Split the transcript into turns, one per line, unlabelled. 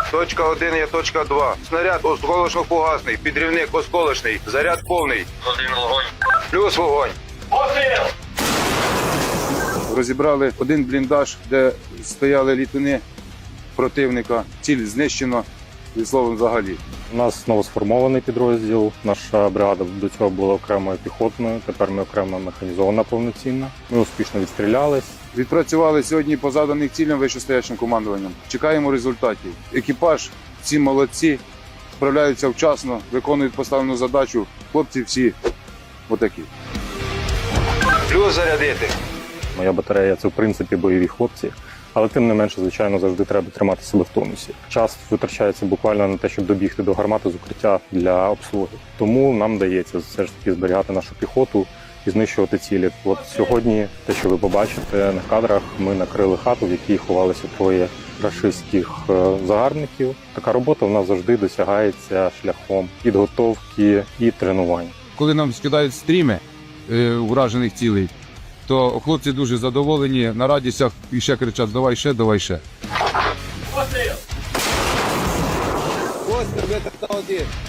Точка 1 є точка 2. Снаряд осколочно-фугасний, підрівник осколочний, заряд повний.
Один вогонь.
Плюс вогонь.
Постріл!
Розібрали один бліндаж, де стояли літуни противника. Ціль знищено, від словом, взагалі.
У нас новосформований підрозділ. Наша бригада до цього була окремою піхотною, тепер ми окремо механізована повноцінна. Ми успішно відстрілялись.
Відпрацювали сьогодні по заданих цілям вищестоячим командуванням. Чекаємо результатів. Екіпаж, всі молодці, справляються вчасно, виконують поставлену задачу. Хлопці всі отакі. Плюс зарядити.
Моя батарея – це в принципі бойові хлопці, але тим не менше, звичайно, завжди треба тримати себе в тонусі. Час витрачається буквально на те, щоб добігти до гармати з укриття для обслуги. Тому нам вдається все ж таки зберігати нашу піхоту і знищувати цілі. От сьогодні, те, що ви побачите на кадрах, ми накрили хату, в якій ховалися троє рашистських загарбників. Така робота в нас завжди досягається шляхом підготовки і тренувань.
Коли нам скидають стріми уражених цілей, то хлопці дуже задоволені, на радістях і ще кричать: давай ще, давай ще.
Постріл!
Ось метр та один.